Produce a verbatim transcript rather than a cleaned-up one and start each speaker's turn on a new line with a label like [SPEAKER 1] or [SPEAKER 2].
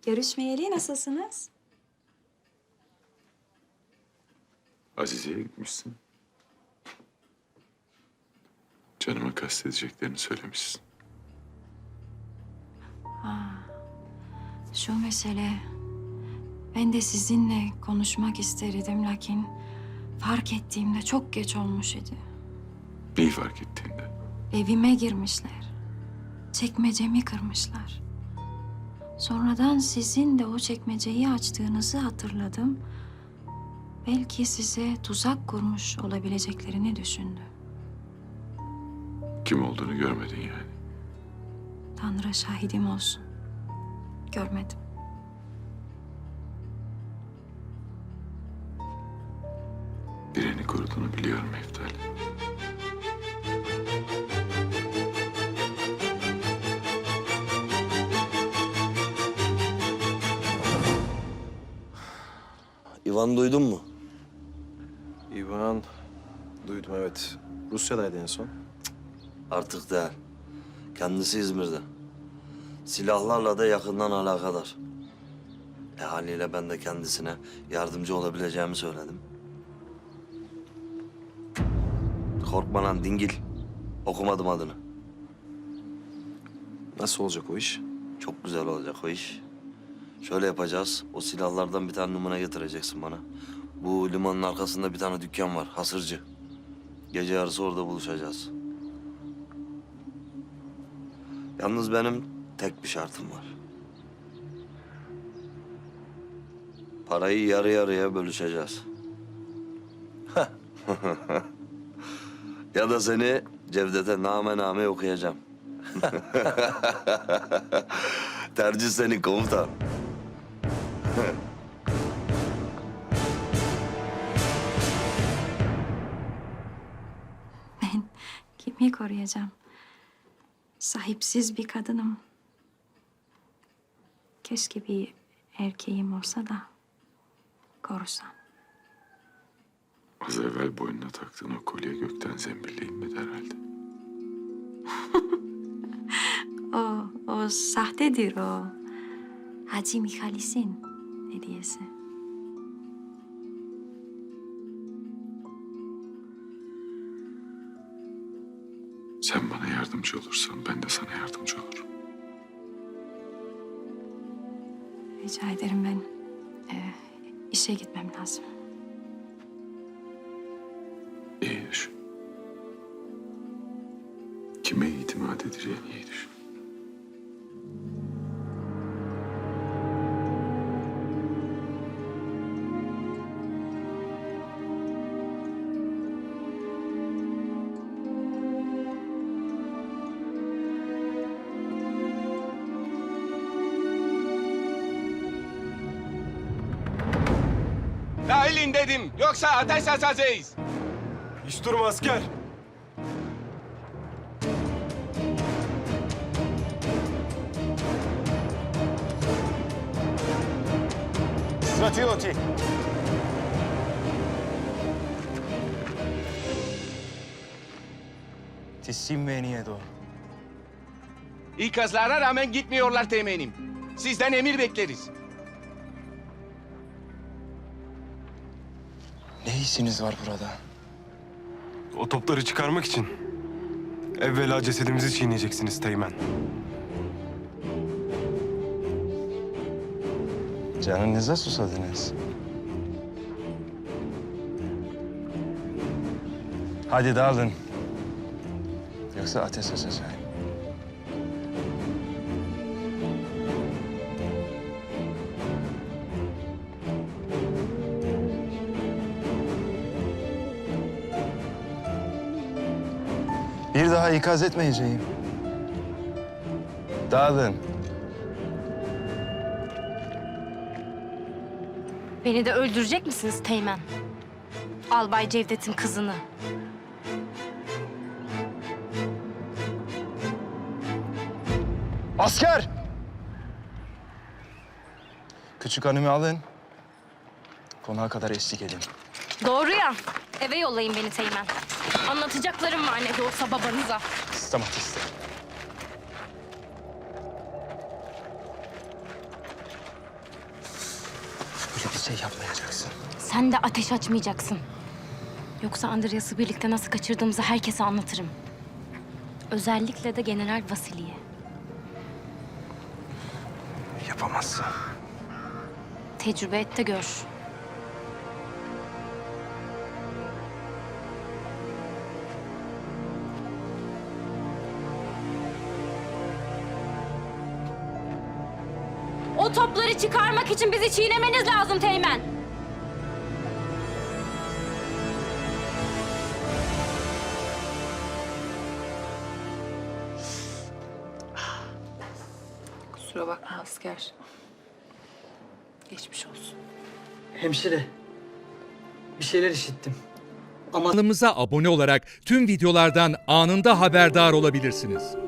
[SPEAKER 1] Görüşmeyeli nasılsınız?
[SPEAKER 2] Azize'ye gitmişsin. Canıma kastedeceklerini söylemişsin.
[SPEAKER 1] Şu mesele... Ben de sizinle konuşmak isterdim lakin... Fark ettiğimde çok geç olmuş idi.
[SPEAKER 2] Neyi fark ettiğinde?
[SPEAKER 1] Evime girmişler. Çekmecemi kırmışlar. Sonradan sizin de o çekmeceyi açtığınızı hatırladım. Belki size tuzak kurmuş olabileceklerini düşündüm.
[SPEAKER 2] Kim olduğunu görmedin yani.
[SPEAKER 1] Tanrı şahidim olsun. Görmedim.
[SPEAKER 2] Birini koruduğunu biliyorum Eftal.
[SPEAKER 3] İvan duydun mu?
[SPEAKER 4] İvan, duydum evet. Rusya'daydı en son.
[SPEAKER 3] Artık değil. Kendisi İzmir'de. Silahlarla da yakından alakadar. E haliyle ben de kendisine yardımcı olabileceğimi söyledim. Korkma lan dingil. Okumadım adını.
[SPEAKER 4] Nasıl olacak o iş?
[SPEAKER 3] Çok güzel olacak o iş. Şöyle yapacağız. O silahlardan bir tane numune getireceksin bana. Bu limanın arkasında bir tane dükkan var. Hasırcı. Gece yarısı orada buluşacağız. Yalnız benim tek bir şartım var. Parayı yarı yarıya bölüşeceğiz. Ya da seni Cevdet'e name name okuyacağım. Tercih senin komutan.
[SPEAKER 1] Ben kimi koruyacağım? Sahipsiz bir kadınım. Keşke bir erkeğim olsa da korusam.
[SPEAKER 2] Az evvel boynuna taktığın o kolye gökten zembille inmedi herhalde.
[SPEAKER 1] O, o sahtedir o. Hacı Mihalis'in hediyesi.
[SPEAKER 2] Sen bana yardımcı olursan ben de sana yardımcı olurum.
[SPEAKER 1] Rica ederim ben e, işe gitmem lazım.
[SPEAKER 2] İyi düşün. Kime itimat edeceğini iyi düşün.
[SPEAKER 5] Dahilin dedim. Yoksa ateş açacağız.
[SPEAKER 4] Hiç durma asker. Stratiyoti.
[SPEAKER 6] Teslim ve niyedo.
[SPEAKER 5] İkazlara rağmen gitmiyorlar temenim. Sizden emir bekleriz.
[SPEAKER 6] Ne işiniz var burada?
[SPEAKER 7] O topları çıkarmak için evvela cesedimizi çiğneyeceksiniz Teğmen.
[SPEAKER 6] Canınıza susadınız. Hadi dağılın. Yoksa ateş açacağım. Bir daha ikaz etmeyeceğim. Dağılın.
[SPEAKER 8] Beni de öldürecek misiniz Teğmen? Albay Cevdet'in kızını.
[SPEAKER 6] Asker! Küçük hanımı alın. Konağa kadar eşlik edin.
[SPEAKER 8] Doğru ya. Eve yollayın beni Teğmen. Anlatacaklarım var ne de olsa babanıza.
[SPEAKER 6] Stamatis. şey yapmayacaksın.
[SPEAKER 8] Sen de ateş açmayacaksın. Yoksa Andreas'ı birlikte nasıl kaçırdığımızı herkese anlatırım. Özellikle de General Vasili'ye.
[SPEAKER 6] Yapamazsın.
[SPEAKER 8] Tecrübe et de gör. O topları çıkarmak için bizi çiğnemeniz lazım Teğmen.
[SPEAKER 9] Kusura bakma asker. Geçmiş olsun.
[SPEAKER 10] Hemşire, bir şeyler işittim. Ama
[SPEAKER 11] Kanalımıza abone olarak tüm videolardan anında haberdar olabilirsiniz.